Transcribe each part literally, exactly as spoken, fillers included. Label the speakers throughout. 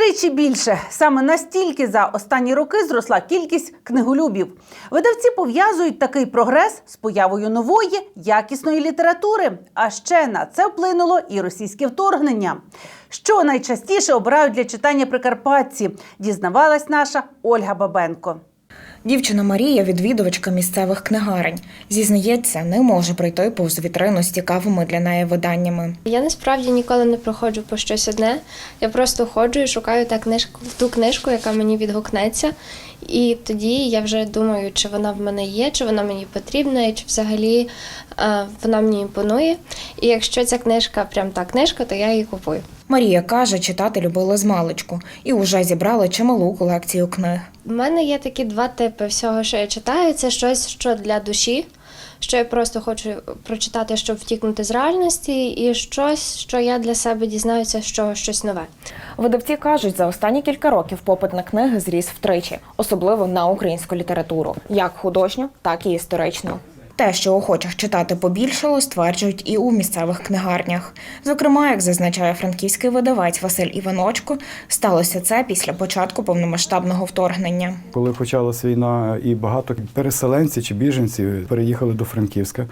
Speaker 1: Втричі більше. Саме настільки за останні роки зросла кількість книголюбів. Видавці пов'язують такий прогрес з появою нової, якісної літератури. А ще на це вплинуло і російське вторгнення. Що найчастіше обирають для читання прикарпатці, дізнавалась наша Ольга Бабенко.
Speaker 2: Дівчина Марія – відвідувачка місцевих книгарень. Зізнається, не може пройти повз вітрину з цікавими для неї виданнями.
Speaker 3: Я насправді ніколи не проходжу по щось одне. Я просто ходжу і шукаю та книжку, ту книжку, яка мені відгукнеться. І тоді я вже думаю, чи вона в мене є, чи вона мені потрібна, і чи взагалі е, вона мені імпонує. І якщо ця книжка прям та книжка, то я її купую.
Speaker 2: Марія каже, читати любила змалечку і вже зібрала чималу колекцію книг.
Speaker 3: У мене є такі два типи всього, що я читаю. Це щось, що для душі, що я просто хочу прочитати, щоб втікнути з реальності, і щось, що я для себе дізнаюся, що щось нове.
Speaker 2: Видавці кажуть, за останні кілька років попит на книги зріс втричі, особливо на українську літературу, як художню, так і історичну. Те, що охочих читати побільшало, стверджують і у місцевих книгарнях. Зокрема, як зазначає франківський видавець Василь Іваночко, сталося це після початку повномасштабного вторгнення.
Speaker 4: Коли почалась війна, і багато переселенців чи біженців переїхали до Франківська,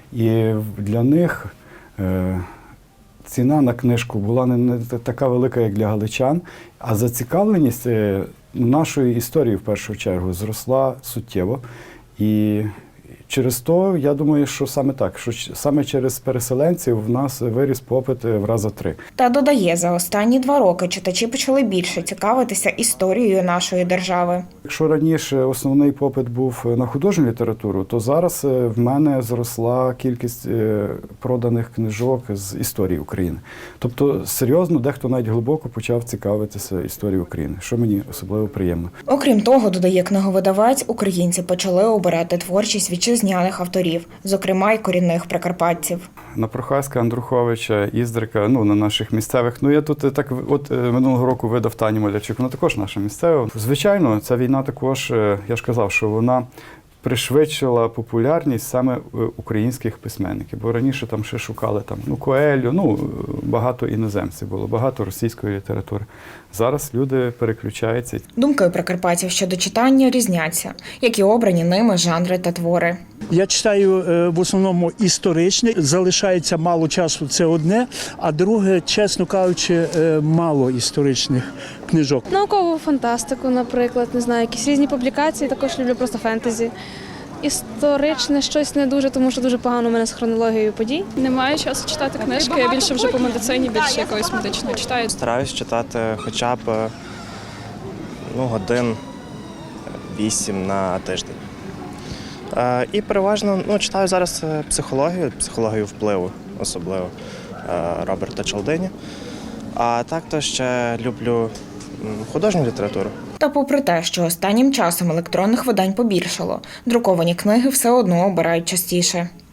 Speaker 4: і для них е, ціна на книжку була не така велика, як для галичан, а зацікавленість нашої історії, в першу чергу, зросла суттєво. І через то, я думаю, що саме так, що саме через переселенців в нас виріс попит в рази три.
Speaker 2: Та додає, за останні два роки читачі почали більше цікавитися історією нашої держави.
Speaker 4: Якщо раніше основний попит був на художню літературу, то зараз в мене зросла кількість проданих книжок з історії України. Тобто, серйозно, дехто навіть глибоко почав цікавитися історією України, що мені особливо приємно.
Speaker 2: Окрім того, додає книговидавець, українці почали обирати творчість вітчизняних авторів, зокрема й корінних прикарпатців.
Speaker 4: На Прохаська, Андруховича, Іздрика, ну, на наших місцевих. Ну, я тут так, от минулого року видав Таню Малячук, вона також наша місцева. Звичайно, ця війна також, я ж казав, що вона пришвидшила популярність саме українських письменників, бо раніше там ще шукали там, ну, Коелю, ну, багато іноземців було, багато російської літератури. Зараз люди переключаються.
Speaker 2: Думки прикарпатців щодо читання різняться, як і обрані ними жанри та твори.
Speaker 5: Я читаю в основному історичне, залишається мало часу, це одне, а друге, чесно кажучи, мало історичних книжок.
Speaker 6: Наукову фантастику, наприклад, не знаю, якісь різні публікації, також люблю просто фентезі. Історичне щось не дуже, тому що дуже погано у мене з хронологією подій.
Speaker 7: Немає часу читати книжки, я більше вже по медицині, більше якоїсь медичної читаю.
Speaker 8: Стараюсь читати хоча б ну, годин вісім на тиждень. Е, і переважно ну, читаю зараз психологію, психологію впливу, особливо е, Роберта Чалдині. А так то ще люблю художню літературу.
Speaker 2: Та попри те, що останнім часом електронних видань побільшало, друковані книги все одно обирають частіше.